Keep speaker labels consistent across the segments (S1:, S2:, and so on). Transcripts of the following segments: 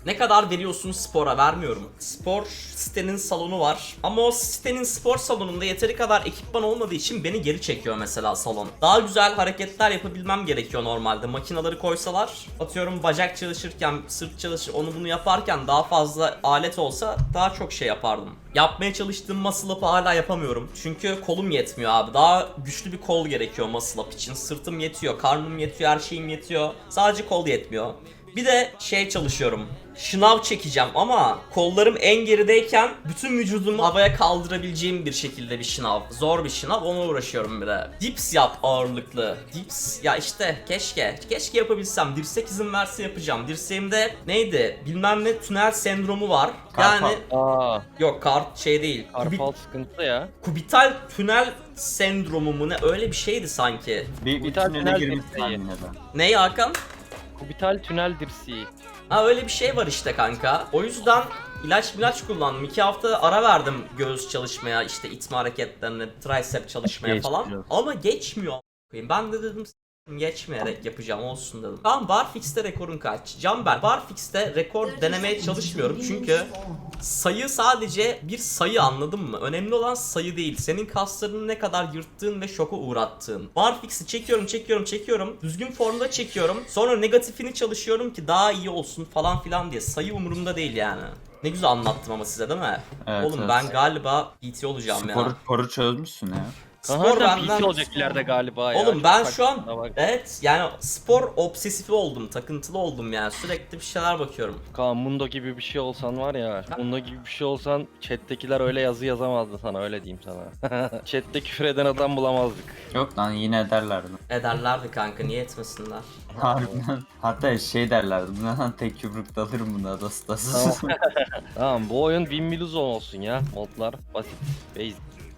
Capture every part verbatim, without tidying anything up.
S1: Ne kadar veriyorsun spora? Vermiyorum. Spor sitenin salonu var. Ama o sitenin spor salonunda yeteri kadar ekipman olmadığı için beni geri çekiyor mesela salon. Daha güzel hareketler yapabilmem gerekiyor normalde. Makinaları koysalar, atıyorum bacak çalışırken, sırt çalışır, onu bunu yaparken daha fazla alet olsa daha çok şey yapardım. Yapmaya çalıştığım muscle up'ı hala yapamıyorum. Çünkü kolum yetmiyor abi. Daha güçlü bir kol gerekiyor muscle up için. Sırtım yetiyor, karnım yetiyor, her şeyim yetiyor. Sadece kol yetmiyor. Bir de şey çalışıyorum. Şınav çekeceğim ama kollarım en gerideyken bütün vücudumu havaya kaldırabileceğim bir şekilde bir şınav. Zor bir şınav, ona uğraşıyorum bir de. Dips yap ağırlıklı. Dips ya işte keşke. Keşke yapabilsem. Dirsek izin verse yapacağım. Dirseğimde neydi? Bilmem ne tünel sendromu var. Yani
S2: Aa,
S1: yok kart şey değil. Kubi-
S2: karpal sıkıntı ya.
S1: kubital tünel sendromu mu ne öyle bir şeydi sanki.
S3: Bir, bir
S2: Kubital
S3: tünele
S2: tünel
S3: girmişsin
S2: dirseği.
S3: yine de.
S1: Ne Hakan?
S2: Kubital tünel dirseği.
S1: Ha öyle bir şey var işte kanka. O yüzden ilaç ilaç kullandım. iki hafta ara verdim göğüs çalışmaya, işte itme hareketlerine, tricep çalışmaya falan.
S3: Geçmiyor.
S1: Ama geçmiyor. Ben de dedim "S**tim, geçmeyerek yapacağım olsun dedim. Tamam Barfix'te rekorun kaç? Canber Barfix'te rekor denemeye çalışmıyorum çünkü sayı sadece bir sayı, anladın mı? Önemli olan sayı değil. Senin kaslarını ne kadar yırttığın ve şoka uğrattığın. Barfix'i çekiyorum, çekiyorum, çekiyorum. Düzgün formda çekiyorum. Sonra negatifini çalışıyorum ki daha iyi olsun falan filan diye. Sayı umurumda değil yani. Ne güzel anlattım ama size değil mi?
S3: Evet,
S1: Oğlum
S3: evet.
S1: ben galiba P T olacağım ya.
S3: Sporu, sporu çözmüşsün ya.
S1: Spor
S2: Kaan P
S1: benden...
S2: T olacak ileride galiba ya.
S1: Oğlum
S2: Çok
S1: ben
S2: saçma
S1: şu an
S2: bak.
S1: evet yani spor obsesifi oldum, takıntılı oldum yani. Sürekli bir şeyler bakıyorum.
S2: Kaan Mundo gibi bir şey olsan var ya. Mundo gibi bir şey olsan chat'tekiler öyle yazı yazamazdı sana, öyle diyeyim sana. Chat'te küfür eden adam bulamazdık.
S3: Yok lan yine ederlerdi.
S1: Ederlerdi kanka, niye etmesinler?
S3: Harbiden. Hatta şey derlerdi. Bundan tek yumrukta alırım bunu adastasız.
S2: Tamam, bu oyun bin miluzon olsun ya. Modlar basit. Basic.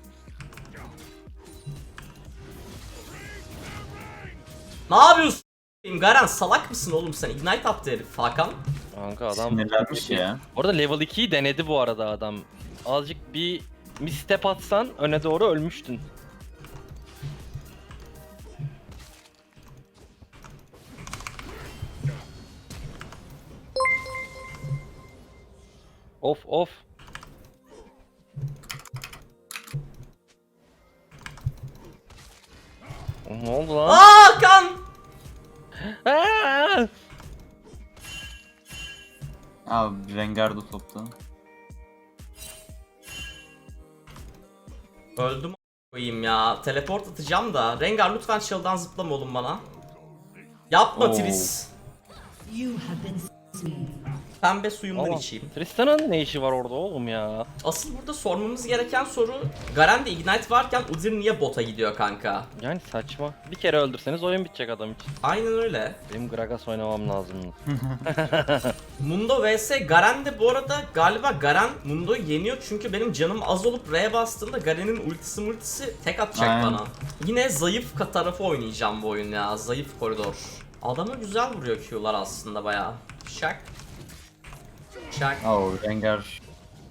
S1: Ne yapıyorsun? Garen salak mısın oğlum sen? Ignite attı herif Hakan.
S2: Kanka adam
S3: Sinirlenmiş ya.
S2: Orada level ikiyi denedi bu arada adam. Azıcık bir misstep atsan öne doğru ölmüştün. Of of. Ne oldu lan?
S1: Aa Hakan!
S2: Aa!
S3: Abi Rengardo topta.
S1: Öldüm koyayım ya. Teleport atacağım da. Rengar lütfen shield'dan zıplama oğlum bana. Yapma
S3: Oo.
S1: Tris.
S4: You have been slain.
S1: Pembe suyumdan
S2: Ama
S1: içeyim.
S2: Tristan'ın ne işi var orada oğlum ya?
S1: Asıl burada sormamız gereken soru, Garen'de Ignite varken Udyr niye bota gidiyor kanka?
S2: Yani saçma. Bir kere öldürseniz oyun bitecek adam için.
S1: Aynen öyle.
S2: Benim Gragas oynamam lazım.
S1: Mundo vs Garen'de bu arada galiba Garen Mundo'yu yeniyor çünkü benim canım az olup R'ye bastığımda Garen'in ultisi multisi tek atacak
S3: Aynen.
S1: bana. Yine zayıf ka- tarafı oynayacağım bu oyun ya, zayıf koridor. Adamı güzel vuruyor Q'lar aslında bayağı. Şak. Şak.
S3: Oo Rengar.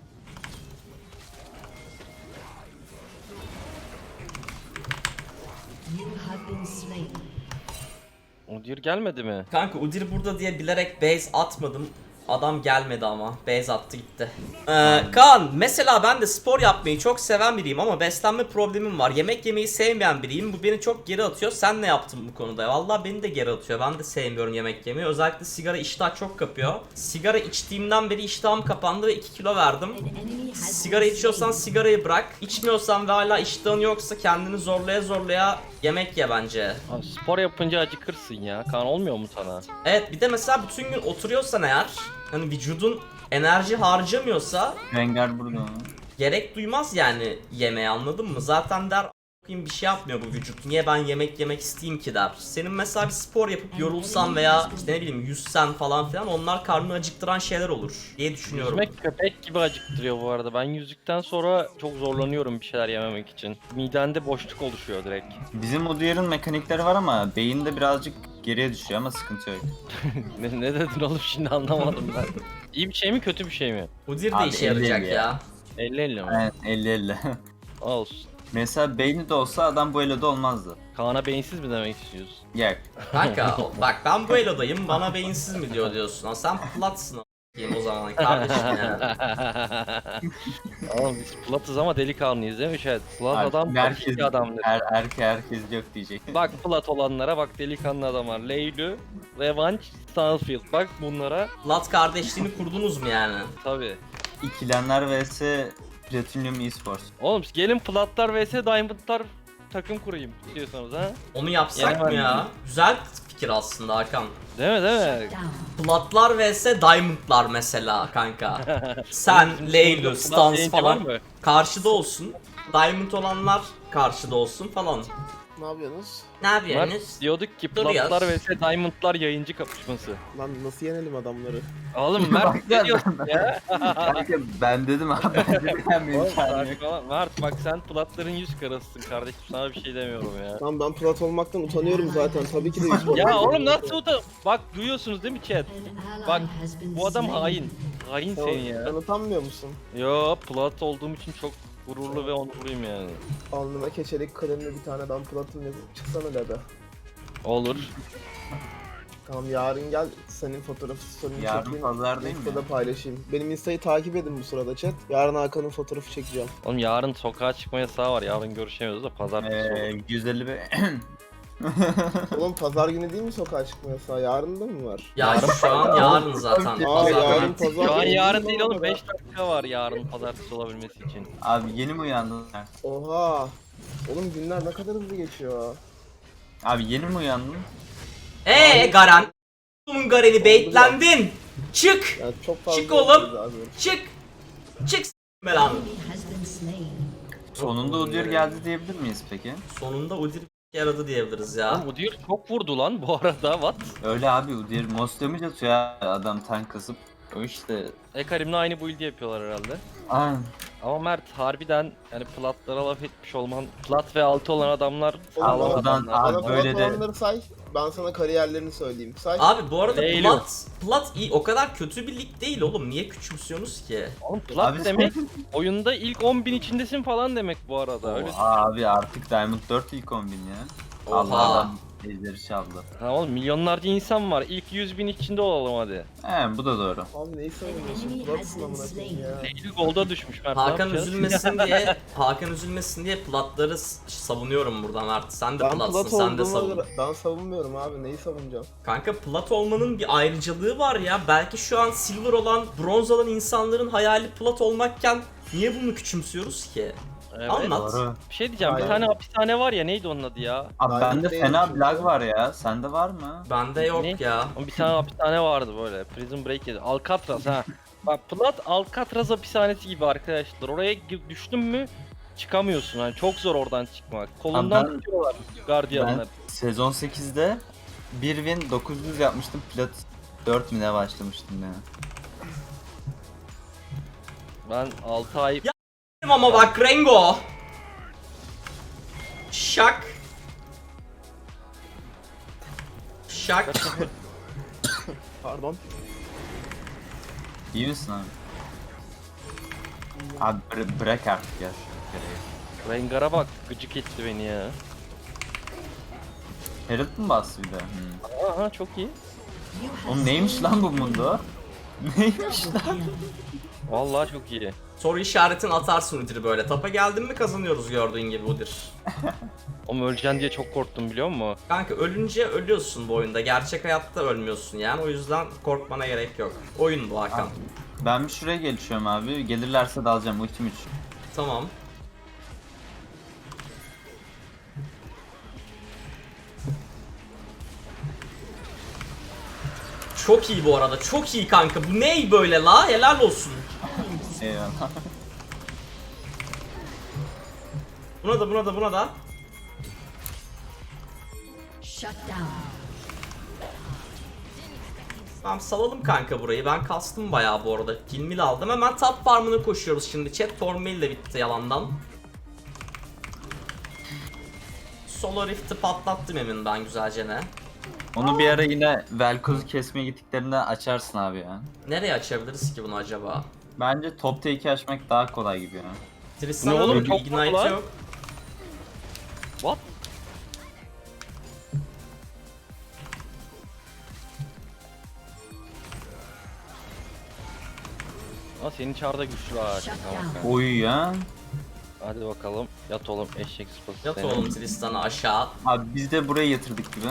S4: You have been slain.
S2: Udyr gelmedi mi?
S1: Kanka Udyr burada diye bilerek base atmadım. Adam gelmedi ama. Base attı gitti. Ee, Kaan mesela ben de spor yapmayı çok seven biriyim ama beslenme problemim var. Yemek yemeyi sevmeyen biriyim. Bu beni çok geri atıyor. Sen ne yaptın bu konuda? Vallahi beni de geri atıyor. Ben de sevmiyorum yemek yemeyi. Özellikle sigara iştah çok kapıyor. Sigara içtiğimden beri iştahım kapandı ve iki kilo verdim.
S4: An enemy has
S1: Sigara
S4: been
S1: içiyorsan
S4: slain.
S1: sigarayı bırak. İçmiyorsan ve hala iştahın yoksa kendini zorlaya zorlaya yemek ye bence.
S2: Abi spor yapınca acıkırsın ya. Kan olmuyor mu sana?
S1: Evet, bir de mesela bütün gün oturuyorsan eğer, hani vücudun enerji harcamıyorsa
S3: Rengar burada.
S1: gerek duymaz yani yemeğe, anladın mı? Zaten der "A**ayım, bir şey yapmıyor bu vücut. Niye ben yemek yemek isteyeyim ki" der. Senin mesela bir spor yapıp yorulsan veya işte ne bileyim yüzsen falan filan, onlar karnını acıktıran şeyler olur diye düşünüyorum.
S2: Yüzmek köpek gibi acıktırıyor bu arada. Ben yüzdükten sonra çok zorlanıyorum bir şeyler yememek için. Midende boşluk oluşuyor direkt.
S3: Bizim Udyr'ın mekanikleri var ama beyinde birazcık geriye düşüyor ama sıkıntı yok.
S2: ne, ne dedin oğlum şimdi anlamadım ben. İyi bir şey mi kötü bir şey mi?
S1: Udyr de
S3: Abi,
S1: işe
S3: elli
S1: yarayacak
S3: elli
S1: ya.
S3: ya.
S2: elli elli mi?
S3: Evet elli elli.
S2: Olsun.
S3: Mesela beyni de olsa adam bu eloda olmazdı.
S2: Kaan'a beyinsiz mi demek istiyorsun?
S3: Yok.
S1: Kanka bak ben bu elodayım, bana beyinsiz mi diyor diyorsun. Ha, sen platsın. diyeyim o zaman kardeşim yani.
S2: Oğlum biz Plat'ız ama delikanlıyız değil mi chat? Plat
S3: Abi,
S2: adam
S3: herkes,
S2: herkes adamdır.
S3: her, erke herkes yok diyecek.
S2: Bak Plat olanlara bak, delikanlı adamlar. Leylu, Revanch, Stanfield. Bak bunlara
S1: Plat kardeşliğini kurdunuz mu yani?
S2: tabi.
S3: İkilenler vs Platinum Esports.
S2: Oğlum gelin Platlar vs Diamond'lar takım kurayım istiyorsanız ha.
S1: Onu yapsak
S2: Yani
S1: mı
S2: ben-
S1: ya? Güzel fikir aslında Hakan.
S2: Değil mi değil mi?
S4: Down.
S1: Platlar vs Diamond'lar mesela kanka. Sen, Leylu,
S2: Plat
S1: Stans
S2: yayıncı var
S1: falan
S2: mı?
S1: karşıda olsun. Diamond olanlar karşıda olsun falan.
S5: Ne yapıyorsunuz?
S1: Ne
S2: Mert
S1: yapıyorsunuz?
S2: diyorduk ki
S1: Duruyor.
S2: Platlar vs Diamond'lar yayıncı kapışması.
S5: Lan nasıl yenelim adamları?
S2: Oğlum Mert ne diyorsun ya?
S3: Kanka ben dedim abi ben dedim hem
S2: Oğlum,
S3: imkanı yok.
S2: saçmalama. Mert bak sen Platların yüz karasısın kardeşim, sana bir şey demiyorum ya.
S5: Lan ben plat olmaktan utanıyorum zaten. Tabii ki de yüz
S2: Ya oğlum nasıl utan? Bak duyuyorsunuz değil mi chat?
S4: An ally
S2: Bak
S4: has been
S2: bu adam
S4: slain.
S2: hain. Hain
S5: Sen,
S2: senin ya.
S5: sen utanmıyor musun?
S2: Yo plat olduğum için çok gururlu ve onurluyum yani.
S5: Alnıma keçelik kalemle bir tane ben platım yazıp çıksana Lebe.
S2: Olur.
S5: Tamam yarın gel senin fotoğrafı story'ini
S3: Yarın
S5: çekeyim.
S3: pazar değil mi?
S5: Insta'da paylaşayım. Benim Insta'yı takip edin bu sırada chat. Yarın Hakan'ın fotoğrafı çekeceğim.
S2: Oğlum yarın sokağa çıkma yasağı var. Yarın görüşemiyoruz da pazartesi olur.
S3: Ee, yüz elli be.
S5: Oğlum pazar günü değil mi sokağa çıkma yasağı? Yarın da mı var?
S1: Ya
S2: Yarın-
S1: şu an yarın zaten.
S5: Aa
S1: Pazar
S5: yarın
S1: günü.
S5: pazar
S2: Şu an
S5: günü
S2: yarın
S5: mi
S2: değil
S5: bu
S2: oğlum,
S5: arada?
S2: beş dakika var yarın pazartesi olabilmesi için.
S3: Abi yeni mi uyandın?
S5: Oha. Oğlum günler ne kadar hızlı geçiyor.
S3: Abi yeni mi uyandın?
S1: Eee Garen. Bunun Garen'i baitlendin. Çık.
S5: Ya çok fazla
S1: Çık oğlum.
S5: hızlıyız abi.
S1: Çık. Çık s- belanı.
S4: Enemy has been slain.
S3: Sonunda Udyr geldi diyebilir miyiz peki?
S1: Sonunda Udyr yaradı diyebiliriz ya.
S2: Oğlum Udyr çok vurdu lan bu arada, what?
S3: Öyle abi Udyr most damage atıyor ya adam tank kasıp. O işte.
S2: Ekarim'le aynı build yapıyorlar herhalde.
S3: Aynen.
S2: Ama Mert harbiden yani platlara laf etmiş olman, plat ve altı olan adamlar
S5: Oğlum,
S2: sağlam
S3: Allah'tan-
S2: adamlar.
S3: Abi
S5: Bana
S3: böyle
S5: plat
S3: de-
S5: olanları say. Ben sana kariyerlerini söyleyeyim. Say.
S1: Abi bu arada
S2: Leylu.
S1: Plat, Plat iyi o kadar kötü bir lig değil oğlum. Niye küçümsüyorsunuz ki?
S2: Oğlum plat
S3: Abi-
S2: demek oyunda ilk on bin içindesin falan demek bu arada. Öyle.
S3: Oha abi artık Diamond dört ilk on bin ya.
S1: Oha.
S3: Allah adam ejderi çaldı.
S2: Ha oğlum milyonlarca insan var. İlk yüz bin içinde olalım hadi.
S3: He bu da doğru.
S5: Abi neyi savunuyorsun?
S4: Enemy
S5: Platsın
S4: has been
S5: amına koyayım ya.
S2: Eylül golda düşmüş Mert. ne
S1: Hakan
S2: yapacağız?
S1: üzülmesin diye Hakan üzülmesin diye Platları s- savunuyorum buradan Mert. Sen de
S5: Ben
S1: Platsın,
S5: plat
S1: sen de
S5: olduğuma
S1: savun.
S5: göre ben savunmuyorum abi. Neyi savunacağım?
S1: Kanka Plat olmanın bir ayrıcalığı var ya. Belki şu an Silver olan, bronz olan insanların hayali Plat olmakken niye bunu küçümsüyoruz ki?
S2: Evet.
S1: Anlat.
S3: Doğru.
S2: Bir şey diyeceğim. Bir
S5: Aynen.
S2: tane hapishane var ya, neydi onun adı ya?
S3: Abi
S5: Diamond
S3: bende
S5: değil
S3: fena
S5: çünkü.
S3: lag var ya. Sende var mı?
S1: Bende yok
S2: Ne?
S1: ya.
S2: Ama bir tane hapishane vardı böyle. Prison Break yedi. Alcatraz ha. Bak plat Alcatraz hapishanesi gibi arkadaşlar. Oraya gi- düştün mü çıkamıyorsun. Yani çok zor oradan çıkmak. Kolundan
S3: ben-
S2: tutuyorlar gardiyanlar.
S3: Ben sezon sekizde bir win dokuz yüz yapmıştım. Plat dört mü ne başlamıştım ya.
S2: Ben altı ay
S1: Ya- Ama bak Rengo. Şak. Şak.
S5: Pardon.
S3: İyi misin abi? Abi bıra- bırak artık ya şu görevi.
S2: Rengar'a bak, gıcık etti beni ya.
S3: Herald mı bastı bir de? Hmm.
S2: Aha çok iyi.
S4: You have
S3: Oğlum neymiş lan bu mundo? Neymiş lan?
S2: Vallahi çok iyi.
S1: Soru işaretini atarsın Udyr böyle. Tapa geldin mi kazanıyoruz gördüğün gibi Udyr.
S2: Ama öleceksin diye çok korktum biliyor musun?
S1: Kanka ölünce ölüyorsun bu oyunda. Gerçek hayatta ölmüyorsun yani. O yüzden korkmana gerek yok. Oyun bu Hakan.
S3: Ben bir şuraya geçiyorum abi. Gelirlerse dalacağım ultim üç.
S1: Tamam. Çok iyi bu arada. Çok iyi kanka. Bu ney böyle la? Helal olsun.
S3: Eyvallah.
S1: Buna da buna da buna da.
S4: shut down.
S1: Tamam salalım kanka burayı. Ben kastım bayağı bu arada. Kilmil aldım. Hemen top farmına koşuyoruz şimdi. Chat Tormail de bitti yalandan. Solar Rift'i patlattım emin ben güzelce ne.
S3: Onu bir ara yine Velkoz'u kesmeye gittiklerinde açarsın abi ya.
S1: Nereye açabiliriz ki bunu acaba?
S3: Bence top take'i açmak daha kolay gibi ya.
S1: Tristan'a
S2: oğlum,
S1: oğlum,
S2: çok
S1: Ignite
S2: kolay.
S1: yok.
S2: What? Ama senin çarda güçlü ha.
S4: Shut
S2: Tamam,
S4: down.
S2: kanka.
S3: Oy ya.
S2: Hadi bakalım. Yat oğlum eşek sıpası
S1: Yat
S2: seni.
S1: oğlum Tristan'ı aşağı.
S3: Abi biz de buraya yatırdık gibi.
S4: An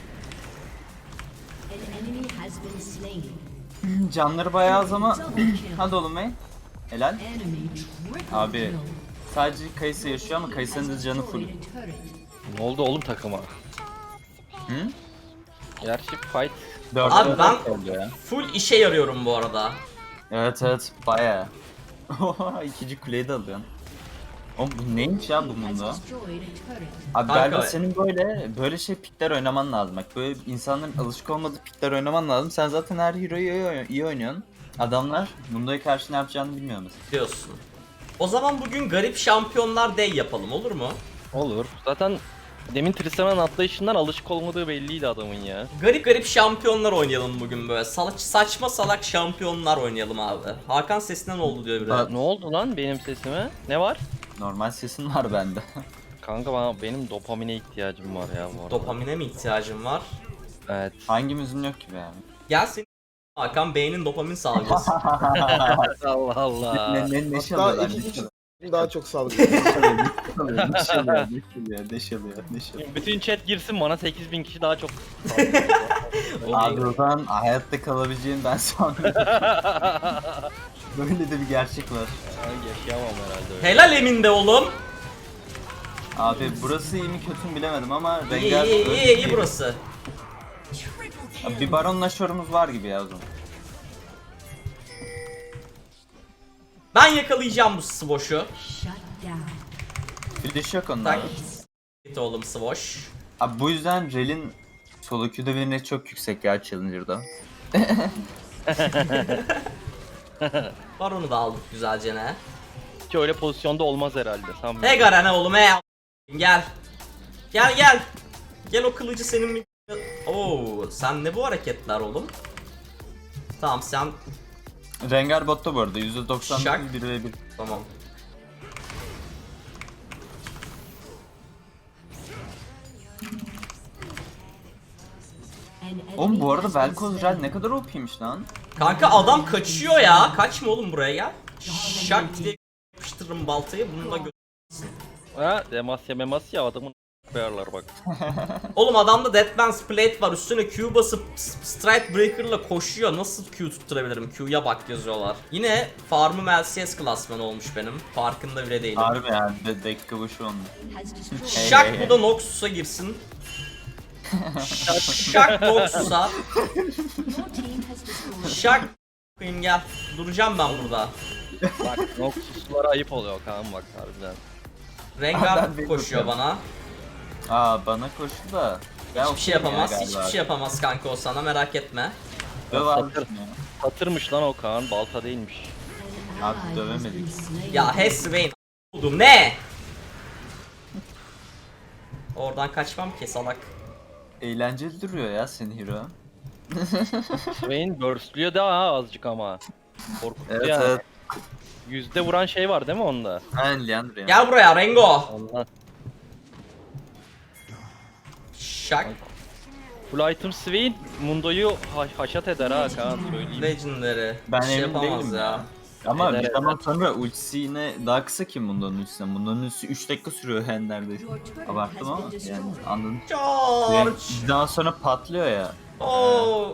S4: enemy has been slain.
S3: Canları bayağı az ama.
S4: Double kill.
S3: Hadi oğlum bey. Helal.
S4: Enemy triple
S3: Abi
S4: kill.
S3: sadece Kayısı yaşıyor ama Kayısı'nın da canı full.
S4: Destroyed a turret.
S2: Ne oldu oğlum takıma?
S3: Hı?
S2: Gerçi fight.
S3: Dört
S1: Abi
S3: dört
S1: ben-
S3: oldu ya.
S1: Full işe yarıyorum bu arada.
S3: Evet evet bayağı. Oha ikinci kuleyi de alıyorsun. Oğlum bu neymiş ya bu
S4: Has
S3: mundo?
S4: destroyed a turret.
S3: Abi
S1: Kanka-
S3: galiba senin böyle böyle şey pikler oynaman lazım. Bak böyle insanların alışık olmadığı pikler oynaman lazım. Sen zaten her hero'yu iyi, iyi oynuyorsun. Adamlar Mundo'ya karşı ne yapacağını bilmiyor mesela.
S1: Diyorsun. O zaman bugün garip şampiyonlar day yapalım, olur mu?
S2: Olur. Zaten demin Tristan'ın atlayışından alışık olmadığı belliydi adamın ya.
S1: Garip garip şampiyonlar oynayalım bugün böyle. Salak, saçma salak şampiyonlar oynayalım abi. Hakan sesinden oldu diyor biri.
S3: Bak-
S2: Ne oldu lan benim sesime? Ne var?
S3: Normal sesin var bende.
S2: Kanka bana, benim dopamine ihtiyacım var ya bu arada.
S1: Dopamine mi ihtiyacın var?
S2: Evet.
S3: Hangimizin yok ki be abi?
S1: Gel senin Hakan beynin dopamin salgılasın.
S2: Allah Allah.
S3: ne ne ne
S5: Hatta
S3: çalıyorlar?
S5: iki
S3: Ne
S5: kişi
S3: çalıyorlar?
S5: daha çok salgılıyor.
S3: Ne çalıyor? Ne çalıyor? Ne çalıyor? Ne çalıyor? Ne çalıyor?
S2: Bütün chat girsin bana sekiz bin kişi daha çok.
S3: Abi o zaman hayatta kalabileceğim ben sanmıyorum. Böyle de bir gerçek var.
S2: Ben yaşayamam herhalde öyle.
S1: Helal Emin de oğlum.
S3: Abi burası iyi mi kötü mü bilemedim ama
S1: İyi
S3: Rengar
S1: iyi iyi iyi, iyi
S3: bir-
S1: burası.
S3: Abi bir baronla şorumuz var gibi ya o zaman.
S1: Ben yakalayacağım bu Svosh'u.
S4: Shut down.
S3: Flash yok onlar.
S1: Tak. Git oğlum Svosh.
S3: Abi bu yüzden Rel'in solo Q'da birine çok yüksek ya Challenger'da.
S1: Baron'u da aldık güzelce ne.
S2: Hiç öyle pozisyonda olmaz herhalde. Tam
S1: He Garen oğlum he. Gel. Gel gel. Gel o kılıcı senin mi? Oo, sen ne bu hareketler oğlum? Tamam sen
S3: Rengar botta bu arada yüzde doksan
S1: Şak.
S3: bir ve bir.
S1: tamam.
S4: An enemy
S3: Oğlum bu arada
S4: has been
S3: Vel'Koz
S4: slain.
S3: Rel ne kadar O P'ymiş lan.
S1: Kanka adam kaçıyor ya. Kaçma oğlum buraya gel. Şak diye yapıştırırım baltayı. Bunu da gö-
S2: Ha, Demasya memasya adamın koyarlar bak.
S1: Oğlum adamda Deathman's Plate var. Üstüne Q basıp S- Strike Breaker'la koşuyor. Nasıl Q tutturabilirim? Q'ya bak yazıyorlar. Yine farmım L C S klasmanı olmuş benim. Farkında bile değilim.
S3: Harbi yani de dakika başı onun.
S4: Has destroyed.
S3: Hey,
S1: Şak
S3: hey,
S1: bu da Noxus'a girsin. Şak, şak Noxus'a.
S4: Your team has destroyed.
S1: Şak koyayım gel. Duracağım ben burada.
S2: Bak Noxus'lara ayıp oluyor Kaan bak harbiden.
S1: Rengar
S3: Ben
S1: koşuyor bana.
S3: Aa bana koştu da. Ben
S1: Hiçbir şey
S3: okeyim ya
S1: yapamaz.
S3: galiba.
S1: Hiçbir şey yapamaz kanka o sana merak etme.
S3: Döv abi şunu ya.
S2: Satırmış lan o Kaan, balta değilmiş.
S4: An
S3: Abi
S4: ally has
S3: dövemedik.
S4: been slain.
S1: Ya Heswain buldum ne? Oradan kaçmam ki salak.
S3: Eğlenceli duruyor ya senin hero.
S2: Swain burstluyor da ha azıcık ama. Korkutuyor
S3: Evet
S2: yani.
S3: evet.
S2: Yüzde vuran şey var değil mi onda?
S3: Aynen Leandro ya.
S1: Gel buraya Rengo.
S2: Allah.
S1: Şak.
S2: Full item Swain Mundo'yu ha haşat eder ha Kaan söyleyeyim.
S1: Legendary.
S3: Ben
S1: Bir şey
S3: emin
S1: yapamaz
S3: değilim
S1: ya.
S3: ya. Ama
S2: Eder,
S3: bir
S2: eder.
S3: zaman sonra ultisi yine daha kısa ki Mundo'nun ultisinden. Mundo'nun ultisi üç dakika sürüyor yani neredeyse.
S4: Your turret
S3: Abarttım
S4: has
S3: ama
S4: been
S3: yani
S4: destroyed.
S3: anladın.
S1: George.
S3: Bir daha sonra patlıyor ya.
S1: Oo.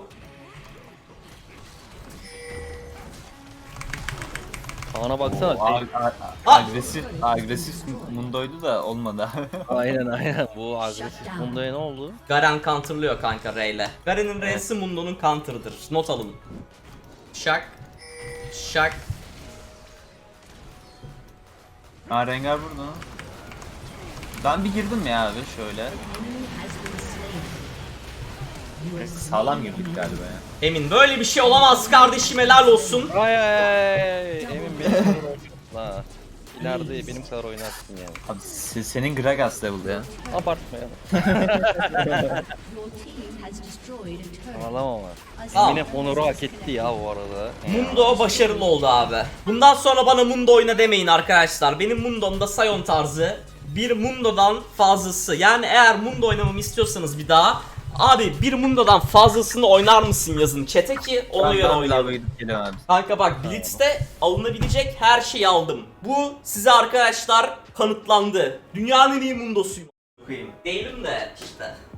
S2: Kaan'a baksana.
S3: O ag- ag-
S1: Ah!
S3: agresif agresif Mundo'ydu da olmadı.
S2: Aynen aynen. Bu agresif Mundo'ya ne oldu?
S1: Garen counterlıyor kanka Ray'le. Garen'in R'si Mundo'nun counter'ıdır. Not alın. Şak. Şak.
S3: Aa Rengar burada. Ben bir girdim ya abi şöyle.
S4: Enemy has been slain. You have
S3: Sağlam girdik galiba ya.
S1: Emin böyle bir şey olamaz kardeşim helal olsun.
S2: Ay ay ay. Emin benim kadar oynarsın ha. İleride benim kadar oynarsın yani.
S3: Abi se- senin Gragas level ya.
S2: Abartma ya.
S4: Your team has destroyed a turret.
S2: Ağlama ama.
S1: Tamam.
S2: Yine Honor'u hak etti ya bu arada.
S1: Mundo başarılı oldu abi. Bundan sonra bana Mundo oyna demeyin arkadaşlar. Benim Mundo'mda Sion tarzı bir Mundo'dan fazlası. Yani eğer Mundo oynamamı istiyorsanız bir daha Abi bir Mundo'dan fazlasını oynar mısın yazın chat'e ki ona
S3: Ben
S1: göre
S3: daha
S1: oynayalım.
S3: bir gidip geliyorum abi.
S1: Kanka bak Blitz'te alınabilecek her şeyi aldım. Bu size arkadaşlar kanıtlandı. Dünyanın en iyi Mundo'suyum. Değilim de işte.